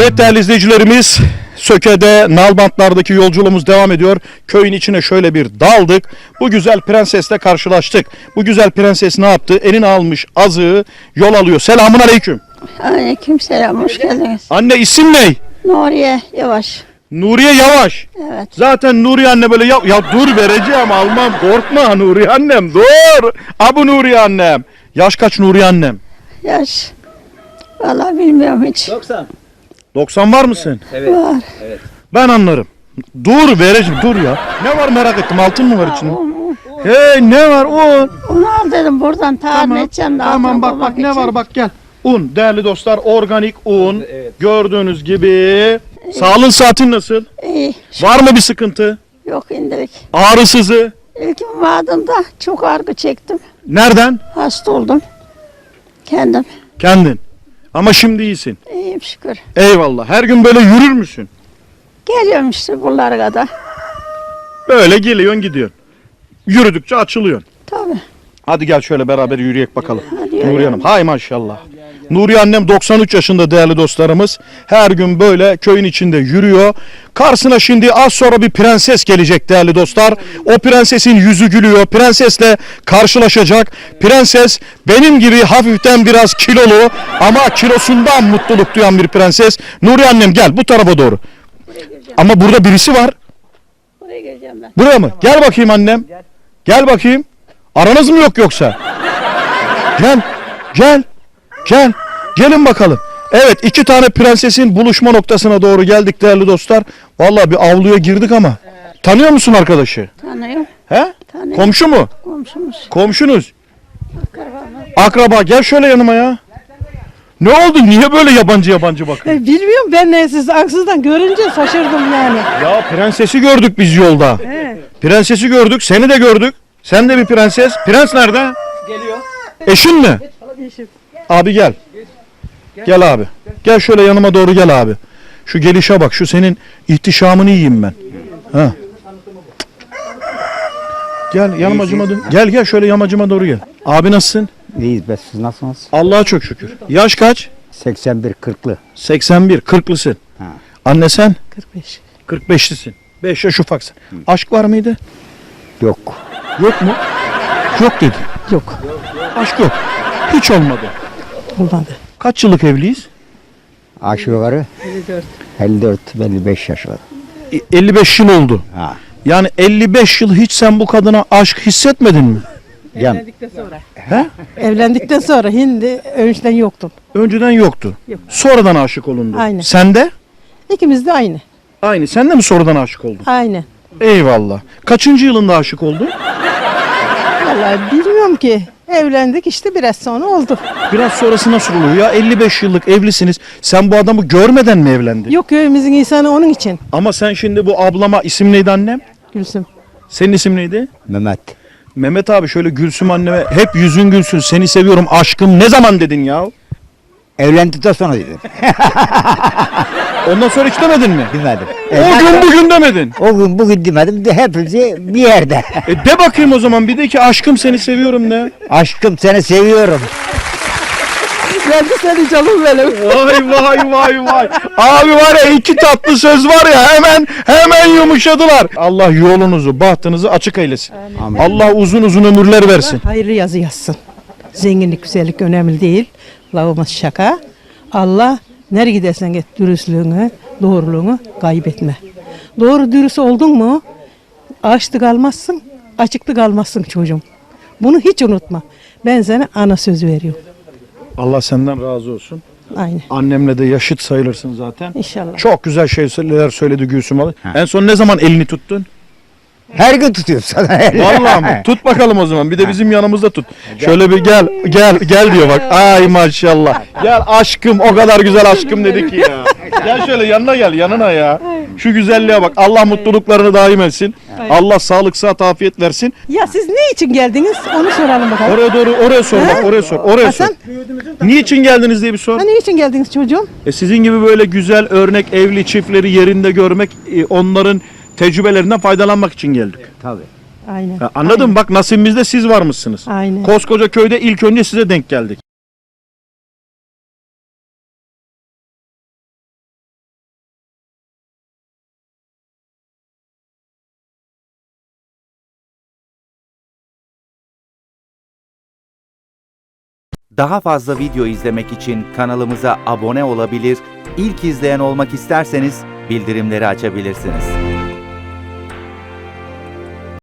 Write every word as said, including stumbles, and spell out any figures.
Evet değerli izleyicilerimiz, Söke'de Nalbantlar'daki yolculuğumuz devam ediyor. Köyün içine şöyle bir daldık. Bu güzel prensesle karşılaştık. Bu güzel prenses ne yaptı? Eline almış azığı yol alıyor. Selamun aleyküm. Aleyküm selam, hoş geldiniz. Anne isim ne? Nuriye Yavaş. Nuriye Yavaş. Evet. Zaten Nuriye anne böyle ya, ya dur vereceğim almam korkma Nuriye annem dur. Abu Nuriye annem. Yaş kaç Nuriye annem? Yaş. Vallahi bilmiyorum hiç. doksan. doksan var mısın? Evet. Var. Evet. Ben anlarım. Dur vereceğim dur ya. Ne var merak ettim altın mı var içinde? Un, un. Hey ne var un? Onu al dedim buradan tarih Tamam, edeceğim de tamam altına bak koymak bak ne için. var bak gel. Un değerli dostlar organik un. Evet. Gördüğünüz gibi. Sağlığın saatin nasıl? İyi. Var mı bir sıkıntı? Yok indirik. Ağrısızı? İlk vardığımda çok ağrı çektim. Nereden? Hasta oldum. Kendim. Kendin. Ama şimdi iyisin. İyiyim şükür. Eyvallah. Her gün böyle yürür müsün? Geliyorum işte buralara kadar. Böyle geliyorsun gidiyorsun. Yürüdükçe açılıyorsun. Tabii. Hadi gel şöyle beraber yürüyek bakalım. Hadi Nuriye yürüyelim. Hanım. Hay maşallah. Nuriye annem doksan üç yaşında değerli dostlarımız. Her gün böyle köyün içinde yürüyor. Karşısına şimdi az sonra bir prenses gelecek değerli dostlar. O prensesin yüzü gülüyor. Prensesle karşılaşacak. Prenses benim gibi hafiften biraz kilolu ama kilosundan mutluluk duyan bir prenses. Nuriye annem gel bu tarafa doğru. Ama burada birisi var. Buraya geleceğim ben. Buraya mı? Gel bakayım annem. Gel bakayım. Aranız mı yok yoksa? Gel. Gel. Gel. Gelin bakalım. Evet iki tane prensesin buluşma noktasına doğru geldik değerli dostlar. Vallahi bir avluya girdik ama. Tanıyor musun arkadaşı? Tanıyorum. He? Tanıyorum. Komşu mu? Komşumuz. Komşunuz. Akrabamız. Akraba gel şöyle yanıma ya. Ne oldu? Niye böyle yabancı yabancı bakıyorsun? E, Bilmiyorum ben ne siz aksızdan görünce şaşırdım yani. Ya prensesi gördük biz yolda. He. Prensesi gördük. Seni de gördük. Sen de bir prenses. Prens nerede? Geliyor. Eşin mi? Abi gel. Gel abi. Gel şöyle yanıma doğru gel abi. Şu gelişe bak. Şu senin ihtişamını yiyeyim ben. Ha. Gel yamacıma dön. Gel gel şöyle yamacıma doğru gel. Abi nasılsın? İyiyiz be, siz nasılsınız? Allah'a çok şükür. Yaş kaç? seksen bir kırklı. seksen bir. kırklısın. Ha. Anne sen? kırk beş. kırk beşlisin. beş yaş ufaksın. Aşk var mıydı? Yok. Yok mu? Yok dedi. Yok. Aşk yok. Hiç olmadı. Olmadı. Kaç yıllık evliyiz? Aşağı yukarı elli dört. elli dört elli beş yaş var. E, elli beş yıl oldu. Ha. Yani elli beş yıl hiç sen bu kadına aşk hissetmedin mi? Yan. Evlendikten sonra. He? Evlendikten sonra hindi önceden yoktum. Önceden yoktu. Yok. Sonradan aşık olundu. Aynen. Sen de? İkimiz de aynı. Aynı. Sen de mi sonradan aşık oldun? Aynen. Eyvallah. Kaçıncı yılında aşık oldun? Vallahi bilmiyorum ki. Evlendik işte biraz sonra oldu. Biraz sonrası nasıl oluyor ya? elli beş yıllık evlisiniz. Sen bu adamı görmeden mi evlendin? Yok köyümüzün insanı onun için. Ama sen şimdi bu ablama isim neydi annem? Gülsüm. Senin isim neydi? Mehmet. Mehmet abi şöyle Gülsüm anneme hep yüzün gülsün seni seviyorum aşkım ne zaman dedin ya? Evlendikten sonra dedim. Ondan sonra hiç demedin mi? Demedim. O gün bugün demedin. O gün bugün demedim de hepsi bir yerde. E de bakayım o zaman bir de ki aşkım seni seviyorum de. Aşkım seni seviyorum. Ben de seni canım benim. Vay vay vay vay. Abi var ya iki tatlı söz var ya hemen hemen yumuşadılar. Allah yolunuzu bahtınızı açık eylesin. Amin. Allah uzun uzun ömürler versin. Hayırlı yazı yazsın. Zenginlik, güzellik önemli değil. Lafımız şaka. Allah nereye gidersen git dürüstlüğünü, doğruluğunu kaybetme. Doğru dürüst oldun mu açlık kalmazsın, açıklık kalmazsın çocuğum. Bunu hiç unutma. Ben sana ana sözü veriyorum. Allah senden razı olsun. Aynen. Annemle de yaşıt sayılırsın zaten. İnşallah. Çok güzel şeyler söyledi Gülsüm abi. En son ne zaman elini tuttun? Her gün tutuyorum sana. Vallahi mı? Tut bakalım o zaman. Bir de bizim yanımızda tut. Şöyle bir gel, gel, gel diyor bak. Ay maşallah. Gel aşkım, o kadar güzel aşkım dedi ki ya. Gel şöyle yanına gel, yanına ya. Şu güzelliğe bak. Allah mutluluklarını daim etsin. Allah sağlık, sıhhat, afiyet versin. Ya siz ne için geldiniz? Onu soralım bakalım. Oraya doğru, oraya sor bak, oraya sor, oraya sor. Hasan, Niçin geldiniz diye bir sor. ha, ne için geldiniz çocuğum? E sizin gibi böyle güzel örnek evli çiftleri yerinde görmek, e, onların tecrübelerinden faydalanmak için geldik. Tabii. Aynen. Ha, anladın mı? Bak nasibimizde siz varmışsınız. Aynen. Koskoca köyde ilk önce size denk geldik. Daha fazla video izlemek için kanalımıza abone olabilir, ilk izleyen olmak isterseniz bildirimleri açabilirsiniz.